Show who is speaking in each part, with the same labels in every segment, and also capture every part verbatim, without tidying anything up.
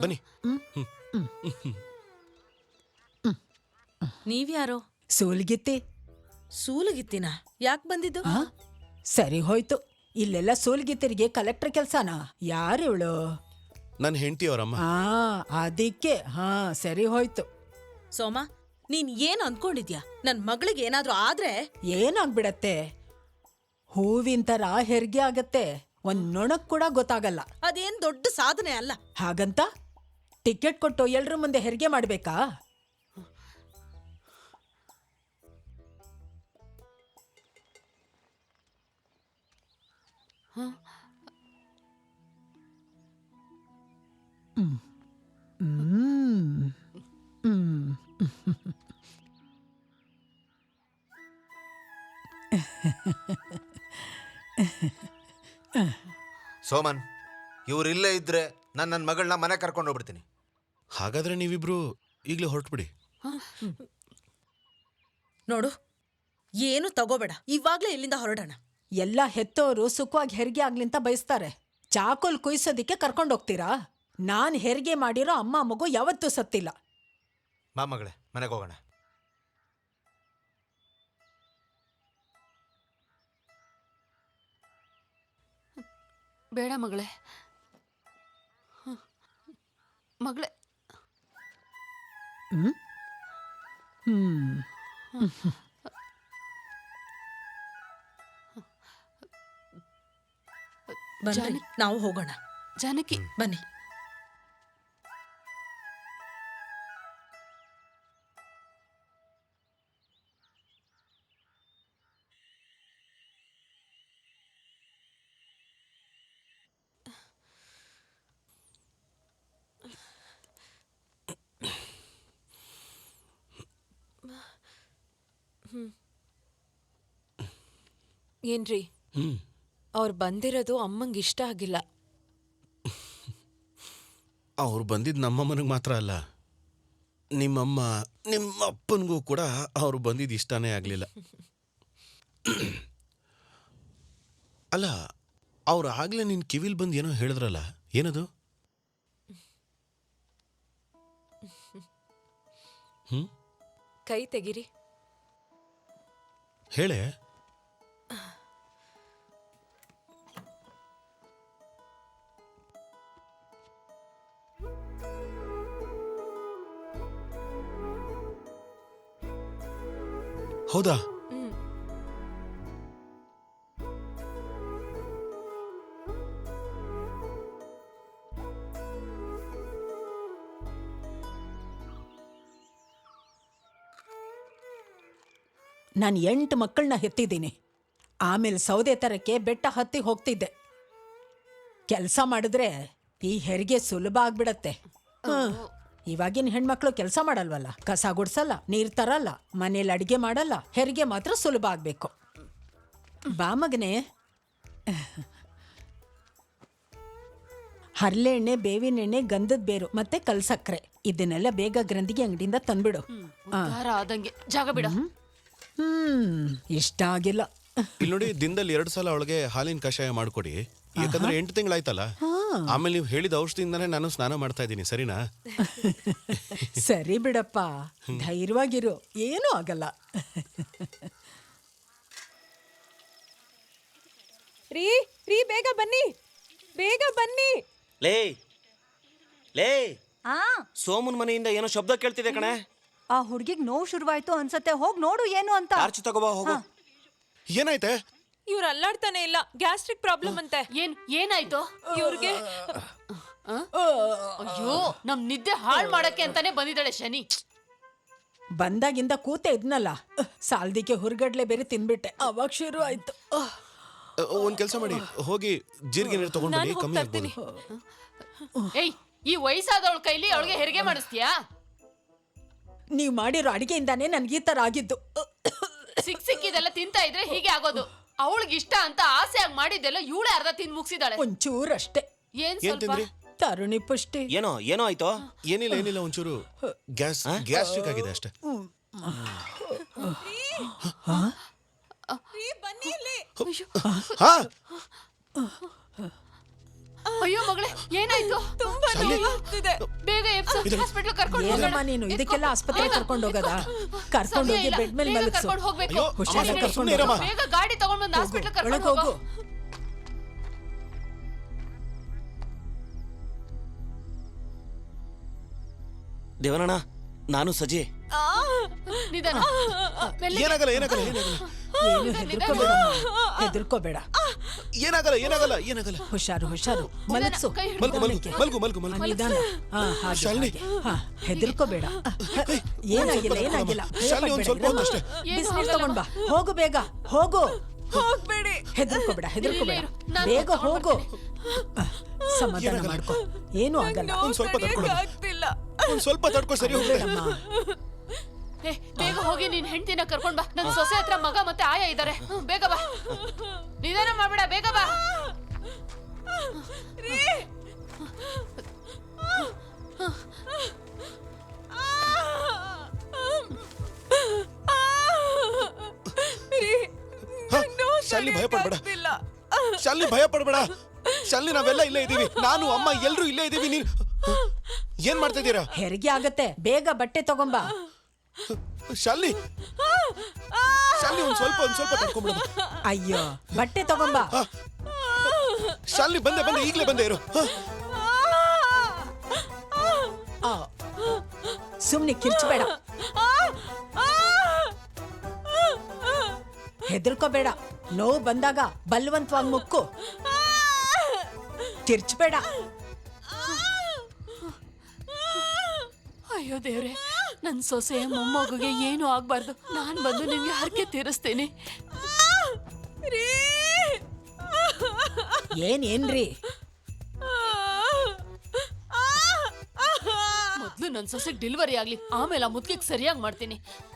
Speaker 1: ಬನ್ನಿ.
Speaker 2: ನೀವ್ಯಾರೋ?
Speaker 3: ಸೂಲ್ಗಿತ್ತಿ.
Speaker 2: ಸೂಲಗಿತ್ತಿನ ಯಾಕೆ ಬಂದಿದ್ದು?
Speaker 3: ಆ? ಸರಿ ಹೋಯ್ತು. ಇಲ್ಲೆಲ್ಲ ಸೂಲ್ಗಿತ್ತಿರಿಗೆ ಕಲೆಕ್ಟರ್ ಕೆಲ್ಸನಾ? ಯಾರು ಇವಳು?
Speaker 1: ನನ್ನ ಹೆಂಡತಿ ಅವರಮ್ಮ.
Speaker 3: ಹಾ ಅದಕ್ಕೆ. ಹಾ ಸರಿ ಹೋಯ್ತು.
Speaker 2: ಸೋಮ, ನೀನ್ ಏನ್ ಅಂದ್ಕೊಂಡಿದ್ಯಾ? ನನ್ ಮಗಳಿಗೆ ಏನಾದ್ರೂ ಆದ್ರೆ
Speaker 3: ಏನಾಗ್ಬಿಡತ್ತೆ? ಹೂವಿನ ತರ ಹೆರಿಗೆ ಆಗತ್ತೆ. ಒಂದ್ ನೊಣಕ್ ಕೂಡ ಗೊತ್ತಾಗಲ್ಲ.
Speaker 2: ಅದೇನ್ ದೊಡ್ಡ ಸಾಧನೆ ಅಲ್ಲ.
Speaker 3: ಹಾಗಂತ ಟಿಕೆಟ್ ಕೊಟ್ಟು ಎಲ್ರ ಮುಂದೆ ಹೆರಿಗೆ ಮಾಡ್ಬೇಕಾ? ಹ್ಮ್ ಹ್ಮ್ ಹ್ಮ್
Speaker 4: ಸೋಮನ್, ಇವ್ರಿಲ್ಲೇ ಇದ್ರೆ ನಾನು ನನ್ನ ಮಗಳನ್ನ ಮನೆ ಕರ್ಕೊಂಡು ಹೋಗ್ಬಿಡ್ತೀನಿ.
Speaker 1: ಹಾಗಾದ್ರೆ ನೀವಿಬ್ರು ಈಗಲೇ ಹೊರಟ್ಬಿಡಿ.
Speaker 2: ನೋಡು, ಏನು ತಗೋಬೇಡ, ಇವಾಗ್ಲೇ ಇಲ್ಲಿಂದ ಹೊರಡೋಣ.
Speaker 3: ಎಲ್ಲ ಹೆತ್ತೋರು ಸುಖವಾಗಿ ಹೆರಿಗೆ ಆಗ್ಲಿಂತ ಬಯಸ್ತಾರೆ. ಚಾಕೋಲ್ ಕುಯ್ಸೋದಿಕ್ಕೆ ಕರ್ಕೊಂಡು ಹೋಗ್ತೀರಾ? ನಾನ್ ಹೆರಿಗೆ ಮಾಡಿರೋ ಅಮ್ಮ ಮಗು ಯಾವತ್ತೂ ಸತ್ತಿಲ್ಲ.
Speaker 4: ಬಾ ಮಗಳೇ, ಮನೆಗೆ ಹೋಗೋಣ.
Speaker 5: ಬೇಡ ಮಗಳೇ, ಮಗಳೇ.
Speaker 3: ಹ್ಮ್ ಹ್ಮ್
Speaker 2: ಬನ್ನಿ, ನಾವು ಹೋಗೋಣ.
Speaker 5: ಜಾನಕಿ,
Speaker 2: ಬನ್ನಿ.
Speaker 5: ಏನ್ರಿ,
Speaker 1: ಹ್ಮ್
Speaker 5: ಅವ್ರು ಬಂದಿರೋದು ಅಮ್ಮಂಗೆ ಇಷ್ಟ ಆಗಿಲ್ಲ.
Speaker 1: ಅವ್ರು ಬಂದಿದ್ದು ನಮ್ಮಮ್ಮನಿಗೆ ಮಾತ್ರ ಅಲ್ಲ, ನಿಮ್ಮಮ್ಮ ನಿಮ್ಮ ಅಪ್ಪನಿಗೂ ಕೂಡ ಅವ್ರು ಬಂದಿದ್ದು ಇಷ್ಟನೇ ಆಗಲಿಲ್ಲ. ಅಲ್ಲ, ಅವ್ರು ಆಗ್ಲೇ ನಿನ್ನ ಕಿವಿಲ್ ಬಂದು ಏನೋ ಹೇಳಿದ್ರಲ್ಲ, ಏನದು? ಹ್ಮ್
Speaker 5: ಕೈ ತೆಗಿರಿ.
Speaker 1: ಹೇಳೆ. ಹೌದಾ?
Speaker 3: ನಾನು ಎಂಟು ಮಕ್ಕಳನ್ನ ಹೆತ್ತಿದ್ದೀನಿ. ಆಮೇಲೆ ಸೌದೆ ತರಕ್ಕೆ ಬೆಟ್ಟ ಹತ್ತಿ ಹೋಗ್ತಿದ್ದೆ. ಕೆಲಸ ಮಾಡಿದ್ರೆ ಈ ಹೆರಿಗೆ ಸುಲಭ ಆಗ್ಬಿಡತ್ತೆ. ಹ್ಮ್. ಇವಾಗಿನ ಹೆಣ್ಮಕ್ಳು ಕೆಲಸ ಮಾಡಲ್ವಲ್ಲ, ಕಸ ಗುಡ್ಸಲ್ಲ, ನೀರ್ ತರಲ್ಲ, ಮನೇಲಿ ಅಡಿಗೆ ಮಾಡಲ್ಲ. ಹೆರಿಗೆ ಮಾತ್ರ ಸುಲಭ ಆಗ್ಬೇಕು. ಬಾ ಮಗನೇ. ಹರಳೆಣ್ಣೆ, ಬೇವಿನ ಎಣ್ಣೆ, ಗಂಧದ ಬೇರು ಮತ್ತೆ ಕಲ್ಸಕ್ರೆ ಇದನ್ನೆಲ್ಲ ಬೇಗ ಗ್ರಂಥಿಗೆ ಅಂಗಡಿಯಿಂದ ತಂದ್ಬಿಡು.
Speaker 5: ಉದ್ಧಾರ ಆದಂಗೆ ಜಾಗ ಬಿಡ.
Speaker 3: ಹ್ಮ್ ಇಷ್ಟ ಆಗಿಲ್ಲ.
Speaker 1: ಇಲ್ಲಿ ನೋಡಿ, ದಿನದಲ್ಲಿ ಎರಡು ಸಲ ಅವಳಿಗೆ ಹಾಲಿನ ಕಷಾಯ ಮಾಡ್ಕೊಡಿ. ಯಾಕಂದ್ರೆ ಎಂಟು ತಿಂಗಳಾಯ್ತಲ್ಲ. ಆಮೇಲೆ ನೀವು ಹೇಳಿದ ಔಷಧಿಯಿಂದಾನೇ ನಾನು ಸ್ನಾನ ಮಾಡ್ತಾ ಇದ್ದೀನಿ, ಸರಿನಾ?
Speaker 3: ಸರಿ ಬಿಡಪ್ಪ, ಧೈರ್ಯವಾಗಿರು, ಏನೂ ಆಗಲ್ಲ.
Speaker 5: ರೀ ರೀ ಬೇಗ ಬನ್ನಿ, ಬೇಗ ಬನ್ನಿ.
Speaker 6: ಲೇ ಲೇ
Speaker 7: ಆ
Speaker 6: ಸೋಮನ್ ಮನೆಯಿಂದ ಏನೋ ಶಬ್ದ ಕೇಳ್ತಿದೆ ಕಣೆ.
Speaker 7: ಆ ಹುಡ್ಗಿಗ್ ನೋವು ಶುರುವಾಯ್ತು ಅನ್ಸತ್ತೆ, ಹೋಗ್ ನೋಡು ಏನು ಅಂತ.
Speaker 6: ಟಾರ್ಚ್ ತಗೋಬಾ, ಹೋಗು.
Speaker 1: ಏನಾಯ್ತೆ?
Speaker 8: ಇವ್ರು ಅಲ್ಲಾಡ್ತಾನೆ ಇಲ್ಲ, ಗ್ಯಾಸ್ಟ್ರಿಕ್ ಪ್ರಾಬ್ಲಮ್ ಅಂತೆ.
Speaker 5: ಏನ್ ಏನಾಯ್ತು
Speaker 8: ಇವ್ರಿಗೆ?
Speaker 5: ಅಯ್ಯೋ, ನಮ್ ನಿದ್ದೆ ಹಾಳ್ ಮಾಡಕ್ಕೆ ಅಂತಾನೆ ಬಂದಿದ್ದಾಳೆ ಶನಿ.
Speaker 3: ಬಂದಾಗಿಂದ ಕೂತೆ ಇದ್ನಲ್ಲ, ಸಾಲ್ದಿಕ್ಕೆ ಹುರ್ಗಡ್ಲೆ ಬೇರೆ ತಿನ್ಬಿಟ್ಟೆ, ಅವಾಗ ಶುರು ಆಯ್ತು.
Speaker 1: ಒಂದ್ ಕೆಲಸ ಮಾಡಿ, ಹೋಗಿ ಜೀರಿಗೆ ನೀರು ತಗೊಂಡು ಬನ್ನಿ, ಕಮ್ಮಿ ಆಗ್ಬೋದು.
Speaker 5: ಏಯ್, ಈ ವಯಸ್ಸಾದವಳ ಕೈಲಿ ಅವಳಿಗೆ ಹೆರಿಗೆ ಮಾಡಿಸ್ತೀಯಾ?
Speaker 3: ನೀವ್ ಮಾಡಿರೋ ಅಡಿಗೆಯಿಂದಾನೇ ನನ್ಗೆ ಈ ತರ ಆಗಿದ್ದು.
Speaker 5: ಸಿಕ್ ಸಿಕ್ಕಿದೆಲ್ಲ ತಿಂತಾ ಇದ್ರೆ ಹೀಗೆ ಆಗೋದು. ಅವಳಿಗೆ ಇಷ್ಟ ಅಂತ ಆಸೆಯಾಗಿ ಮಾಡಿದ್ದೆಲ್ಲ ಇವಳೇ ಅರ್ಧ ತಿಂದು ಮುಗಿಸಿದಾಳೆ.
Speaker 3: ಒಂಚೂರಷ್ಟೇ.
Speaker 5: ಏನ್ ಸ್ವಲ್ಪ
Speaker 3: ತರುಣಿ ಪುಷ್ಟಿ.
Speaker 6: ಏನೋ ಏನೋ ಆಯ್ತು?
Speaker 1: ಏನಿಲ್ಲ ಏನಿಲ್ಲ, ಒಂಚೂರು ಗ್ಯಾಸ್ ಗ್ಯಾಸ್ಟ್ರಿಕ್ ಆಗಿದೆ ಅಷ್ಟೇ.
Speaker 8: ಬನ್ನಿ ಇಲ್ಲಿ.
Speaker 1: ಹಾ
Speaker 5: ಅಯ್ಯೋ ಮಗಳೇ ಏನಾಯ್ತು?
Speaker 8: ತುಂಬಾ
Speaker 1: ಶಾಲಿನಿ.
Speaker 8: ನೋವಾಗ್ತಿದೆ.
Speaker 5: ಬೇಗ ಎಪ್ಸು ಹಾಸ್ಪಿಟಲ್ ಕರ್ಕೊಂಡು
Speaker 3: ಏನಮ್ಮ ನೀನು ಇದಕ್ಕೆಲ್ಲ ಆಸ್ಪತ್ರೆ ಕರ್ಕೊಂಡು ಹೋಗದ ಕರ್ಕೊಂಡು ಹೋಗಿ ಬೆಡ್ ಮೇಲೆ ಮಲಗಿಸು
Speaker 5: ಕರ್ಕೊಂಡು ಹೋಗ್ಬೇಕು.
Speaker 1: ಅಯ್ಯೋ,
Speaker 3: ಹುಷಾರಾಗಿ
Speaker 1: ಅಮ್ಮ,
Speaker 3: ಕರ್ಕೊಂಡು
Speaker 1: ಸುಮ್ನೆ ಇರಮ್ಮ.
Speaker 5: ಬೇಗ ಗಾಡಿ ತಗೊಂಡ್ ಬಂದು ಹಾಸ್ಪಿಟಲ್ ಕರ್ಕೊಂಡು
Speaker 3: ಒಳಗೆ
Speaker 5: ಹೋಗು.
Speaker 3: ಹೋಗು
Speaker 6: ದೇವನಣ್ಣ ನಾನು ಸಜಿ.
Speaker 5: ನಿಧಾನ ಮೆಲ್ಲಿಗೆ.
Speaker 1: ಏನಾಗಲ್ಲ ಏನಾಗಲ್ಲ ಏನಾಗಲ್ಲ
Speaker 3: ಏನು ಹೆದರ್ಕೋಬೇಡ ಹೆದರ್ಕೋಬೇಡ
Speaker 1: ಏನಾಗಲ್ಲ ಏನಾಗಲ್ಲ ಏನಾಗಲ್ಲ
Speaker 3: ಹುಷಾರು ಹುಷಾರು ಮಲಗಿಸು
Speaker 5: ಕೈ ಹಿಡ್ದು.
Speaker 1: ಮಲ್ಗು ಮಲ್ಗು ಮಲ್ಗು ಮಲ್ಗು
Speaker 3: ಆ,
Speaker 1: ಮಲ್ಗು
Speaker 3: ನಿಧಾನ ಹಾ ಹಾಗೆ
Speaker 1: ಶಾಲಿನಿ.
Speaker 3: ಹಾಗೆ. ಹಾ ಹೆದರ್ಕೋಬೇಡ ಏನಾಗಿಲ್ಲ ಏನಾಗಿಲ್ಲ
Speaker 1: ಶಾಲಿನಿ, ಒಂದ್ ಸ್ವಲ್ಪ ಹೊತ್ತು ಅಷ್ಟೇ.
Speaker 3: ಬಿಸಿನೀರು ತಗೊಂಡ್ ಬಾ ಹೋಗು ಬೇಗ ಹೋಗು
Speaker 8: ಹೋಗ್ಬೇಡಿ.
Speaker 3: ಹೆದರ್ಕೋಬೇಡ ಹೆದರ್ಕೋಬೇಡ
Speaker 5: ಇರು, ನಾನು
Speaker 3: ಬೇಗ
Speaker 5: ತಗೊಂಡ್
Speaker 3: ಹೋಗು ಆ, ಸಮಾಧಾನ ಮಾಡ್ಕೊ ಏನು ಆಗಲ್ಲ
Speaker 8: ನೋವು
Speaker 1: ಒಂದ್ ಸ್ವಲ್ಪ
Speaker 8: ತಡೆಯಕ್ಕೆ
Speaker 1: ತಡ್ಕೊಳ್ಳಿ.
Speaker 8: ಆಗ್ತಿಲ್ಲ.
Speaker 1: ಒಂದ್ ಸ್ವಲ್ಪ ತಡ್ಕೊ, ಸರಿ ಹೋಗ್ತದೆ.
Speaker 3: ಬೇಡಮ್ಮ
Speaker 5: ಏ ಬೇಗ ಹೋಗಿ ನಿನ್ ಹೆಂಡತಿನ ಕರ್ಕೊಂಡ್ ಬಾ. ನನ್ ಸೊಸೆ ಹತ್ರ ಮಗ ಮತ್ತೆ ಆಯ ಇದಾರೆ. ಹ್ಮ್, ಬೇಗ ಬಾ. ನಿಧಾನ ಮಾಡ್ಬೇಡ, ಬೇಗ ಬಾ.
Speaker 8: ರೀ. ರೀ,
Speaker 1: ಹಾ,
Speaker 8: ನಂಗ್ ನೋವು
Speaker 1: ಶಾಲಿನಿ, ಭಯ ಪಡ್ಬೇಡ.
Speaker 8: ತಡೆಯಕ್ಕಾಗ್ತಿಲ್ಲ.
Speaker 1: ಶಾಲಿನಿ ಭಯ ಪಡ್ಬೇಡ. ಶಾಲಿನಿ ನಾವೆಲ್ಲ ಇಲ್ಲೇ ಇದೀವಿ. ನಾನು ಅಮ್ಮ ಎಲ್ರು ಇಲ್ಲೇ ಇದೀವಿ. ನೀನ್ ಏನ್ ಮಾಡ್ತಾ ಇದ್ದೀರಾ?
Speaker 3: ಹೆರಿಗೆ ಆಗತ್ತೆ ಬೇಗ ಬಟ್ಟೆ ತಗೊಂಬಾ
Speaker 1: ಶಾಲಿನಿ ಶಾಲಿನಿ ಒಂದ್ ಸ್ವಲ್ಪ ಒಂದ್ ಸ್ವಲ್ಪ ತಡ್ಕೊಂಡ್ಬಿಡ.
Speaker 3: ಅಯ್ಯೋ ಬಟ್ಟೆ ತಗೊಂಬಾ
Speaker 1: ಶಾಲಿನಿ ಬಂದೆ ಬಂದೆ ಈಗ್ಲೇ ಬಂದೆ ಇರು. ಹ.
Speaker 3: ಆ, ಸುಮ್ನೆ ಕಿರ್ಚಬೇಡ ಹೆದರ್ಕೋಬೇಡ ನೋವು ಬಂದಾಗ ಬಲವಂತವಾಗಿ ಮುಕ್ಕು ಕಿರ್ಚಬೇಡ
Speaker 5: ಅಯ್ಯೋ ದೇವ್ರೆ, ನನ್ ಸೊಸೆ ಮೊಮ್ಮಗುಗೆ ಏನು ಆಗ್ಬಾರ್ದು. ನಾನ್ ಬಂದು ನಿಮ್ಗೆ ಹರಕೆ ತೀರಿಸ್ತೀನಿ.
Speaker 8: ರೀ.
Speaker 3: ಏನ್ ಏನ್ರಿ
Speaker 5: ಮೊದ್ಲು ನನ್ ಸೊಸೆಗ್ ಡೆಲಿವರಿ ಆಗ್ಲಿ, ಆಮೇಲೆ ಆ ಮುದ್ಕಿಗ್ ಸರಿಯಾಗಿ ಮಾಡ್ತೀನಿ.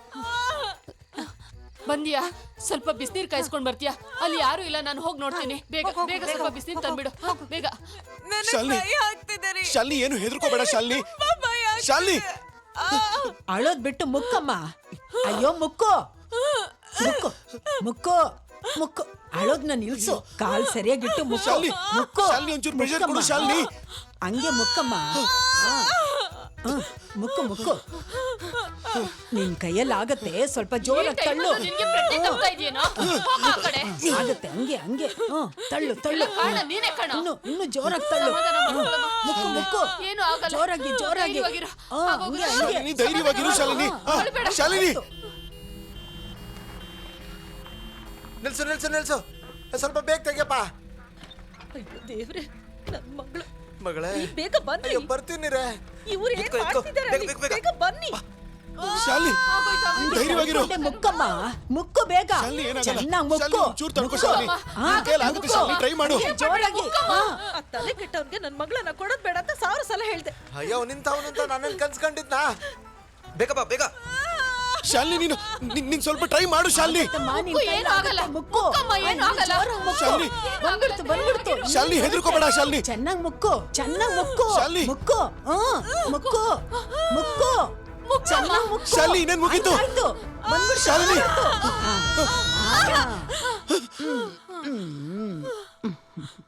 Speaker 5: ಬಂದಿಯಾ? ಸ್ವಲ್ಪ ಬಿಸಿನೀರ್ ಕಾಯಿಸ್ಕೊಂಡ್ ಬರ್ತೀಯಾ? ಅಲ್ಲಿ ಯಾರು ಇಲ್ಲ, ನಾನು ಹೋಗಿ ನೋಡ್ತೀನಿ. ಬೇಗ ಬೇಗ ಸ್ವಲ್ಪ ಬಿಸಿನೀರ್ ತಂದ್ಬಿಡು, ಬೇಗ.
Speaker 8: ನನಗ್
Speaker 1: ಶಾಲಿನಿ.
Speaker 8: ಭಯ ಆಗ್ತಿದೆ ರೀ.
Speaker 1: ಶಾಲಿನಿ ಏನು ಹೆದರ್ಕೋಬೇಡ ಶಾಲಿನಿ.
Speaker 8: ತುಂಬಾ ಭಯ ಆಗ್ತಿದೆ.
Speaker 1: ಶಾಲಿನಿ
Speaker 3: ಅಳೋದ್ ಬಿಟ್ಟು ಮುಕ್ಕಮ್ಮ ಅಯ್ಯೋ ಮುಕ್ಕು ಮುಕ್ಕು ಮುಕ್ಕು ಮುಕ್ಕು ಅಳೋದ್ನ ನಿಲ್ಸು ಕಾಲ್ ಸರಿಯಾಗಿಟ್ಟು ಮುಕ್ಕು
Speaker 1: ಶಾಲಿನಿ,
Speaker 3: ಮುಕ್ಕು
Speaker 1: ಶಾಲಿನಿ ಒಂಚೂರು pressure ಕೊಡು
Speaker 3: ಮುಕ್ಕಮ್ಮ.
Speaker 1: ಶಾಲಿನಿ.
Speaker 3: ಹಂಗೆ ಮುಕ್ಕಮ್ಮ ಆ. ಆ, ಮುಕ್ಕು ಮುಕ್ಕು ನಿನ್ ಕೈಯಲ್ಲಿ ಆಗತ್ತೆ ಸ್ವಲ್ಪ
Speaker 5: ಈ
Speaker 3: ಜೋರಾಗಿ
Speaker 5: time
Speaker 3: ತಳ್ಳು
Speaker 5: ಅಲ್ಲೂ ನಿನ್ಗೆ ಪ್ರಜ್ಞೆ ತಪ್ತಾ ಇದೆಯೇನೋ? ಹೋಗು ಆ ಕಡೆ.
Speaker 3: ಆಗತ್ತೆ ಹಂಗೆ ಹಂಗೆ ಹ್ಮ್ ತಳ್ಳು
Speaker 5: ಇಲ್ಲ,
Speaker 3: ತಳ್ಳು
Speaker 5: ಕಾರಣ ನೀನೇ ಕಣ.
Speaker 3: ಇನ್ನು ಇನ್ನು ಜೋರಾಗಿ ತಳ್ಳು
Speaker 5: ಸಮಾಧಾನ ಮಾಡ್ಕೊಳ್ಳಮ್ಮ.
Speaker 3: ಮುಕ್ಕು ಮುಕ್ಕು
Speaker 5: ಏನು ಆಗಲ್ಲ.
Speaker 3: ಜೋರಾಗಿ ಜೋರಾಗಿ
Speaker 5: ಧೈರ್ಯವಾಗಿರು.
Speaker 3: ಆ,
Speaker 5: ಆಗೋಗು.
Speaker 3: ಹಂಗೆ ಹಂಗೆ
Speaker 1: ಶಾಲಿನಿ ಧೈರ್ಯವಾಗಿರು ಶಾಲಿನಿ. ಆ,
Speaker 5: ಅಳ್ಬೇಡ.
Speaker 1: ಶಾಲಿನಿ
Speaker 4: ನಿಲ್ಸು ನಿಲ್ಸು ನಿಲ್ಸು ಸ್ವಲ್ಪ ಬೇಗ ತೆಗಿಯಪ್ಪ.
Speaker 2: ಅಯ್ಯೋ ದೇವ್ರೆ, ನನ್ ಮಗಳು
Speaker 4: ಮಗಳೇ
Speaker 2: ಬೇಗ ಬನ್ನಿ.
Speaker 4: ಅಯ್ಯೋ ಬರ್ತೀನಿ ರೇ.
Speaker 2: ಇವ್ರು ಏನ್
Speaker 4: ಇಟ್ಕೋ, ಇಟ್ಕೋ.
Speaker 2: ಮಾಡ್ತಿದಾರೆ
Speaker 4: ಬೇಗ,
Speaker 2: ಅಲ್ಲಿ?
Speaker 4: ಬೇಗ, ಬೇಗ.
Speaker 2: ಬೇಗ ಬನ್ನಿ.
Speaker 1: ಶಾಲಿನಿ
Speaker 5: ಆಗೋಯ್ತು, ಆಗೋಯ್ತು.
Speaker 1: ಧೈರ್ಯವಾಗಿರು.
Speaker 3: ತಳ್ಕೊಂಡೆ ಮುಕ್ಕಮ್ಮ ಮುಕ್ಕು ಬೇಗ
Speaker 1: ಶಾಲಿನಿ ಏನಾಗಲ್ಲ.
Speaker 3: ಚೆನ್ನಾಗಿ ಮುಕ್ಕು
Speaker 1: ಶಾಲಿನಿ ಒಂಚೂರು ತಡ್ಕೊ
Speaker 3: ಮುಕ್ಕು.
Speaker 1: ಶಾಲಿನಿ.
Speaker 3: ಆ,
Speaker 1: ನಿನ್ ಕೈಯಲ್ಲಿ ಆಗುತ್ತೆ
Speaker 3: ಮುಕ್ಕು.
Speaker 1: ಶಾಲಿನಿ, ಟ್ರೈ ಮಾಡು.
Speaker 3: ಹಂಗೆ ಜೋರಾಗಿ ಆ.
Speaker 2: ಆ ತಲೆ ಕೆಟ್ಟವನ್ಗೆ ನನ್ ಮಗಳನ್ನ ಕೊಡೋದ್ ಬೇಡ ಅಂತ ಸಾವಿರ ಸಲ ಹೇಳ್ದೆ.
Speaker 4: ಅಯ್ಯೋ ನಿಂತವನು ಅಂತ ನಾನೇನ್ ಕನ್ಸ್ಕೊಂಡಿದ್ನಾ? ಬೇಗ ಬಾ ಬೇಗ.
Speaker 1: ಶಾಲಿನಿ ನೀನು ನಿನ್- ನೀನ್ ಸ್ವಲ್ಪ ಟ್ರೈ ಮಾಡು ಶಾಲಿನಿ.
Speaker 3: ಅಮ್ಮ, ನಿನ್
Speaker 5: ಮುಕ್ಕು,
Speaker 3: ಕೈಲಿ
Speaker 5: ಏನು ಆಗಲ್ಲ.
Speaker 3: ಆಗುತ್ತೆ, ಮುಕ್ಕು
Speaker 5: ಮುಕ್ಕಮ್ಮ, ಏನು ಆಗಲ್ಲ.
Speaker 3: ಜೋರಾಗಿ ಮುಕ್ಕು.
Speaker 1: ಶಾಲಿನಿ.
Speaker 3: ಬಂದ್ಬಿಡ್ತು ಬಂದ್ಬಿಡ್ತು
Speaker 1: ಶಾಲಿನಿ ಹೆದರ್ಕೋಬೇಡ ಶಾಲಿನಿ.
Speaker 3: ಚೆನ್ನಾಗಿ ಮುಕ್ಕು ಚೆನ್ನಾಗಿ ಮುಕ್ಕು
Speaker 1: ಶಾಲಿನಿ.
Speaker 3: ಮುಕ್ಕು ಆ, ಮುಕ್ಕು ಮುಕ್ಕು ಚೆನ್ನಾಗಿ ಮುಕ್ಕು
Speaker 1: ಶಾಲಿನಿ, ಇನ್ನೇನ್ ಮುಗೀತು?
Speaker 3: ಆಯ್ತು, ಬಂದ್ಬಿಡ್ತು,
Speaker 1: ಶಾಲಿನಿ.
Speaker 3: ಬಂದ್ಬಿಡ್ತು. ಆ, ಆ. ಹ್ಮ್, ಹ್ಮ್.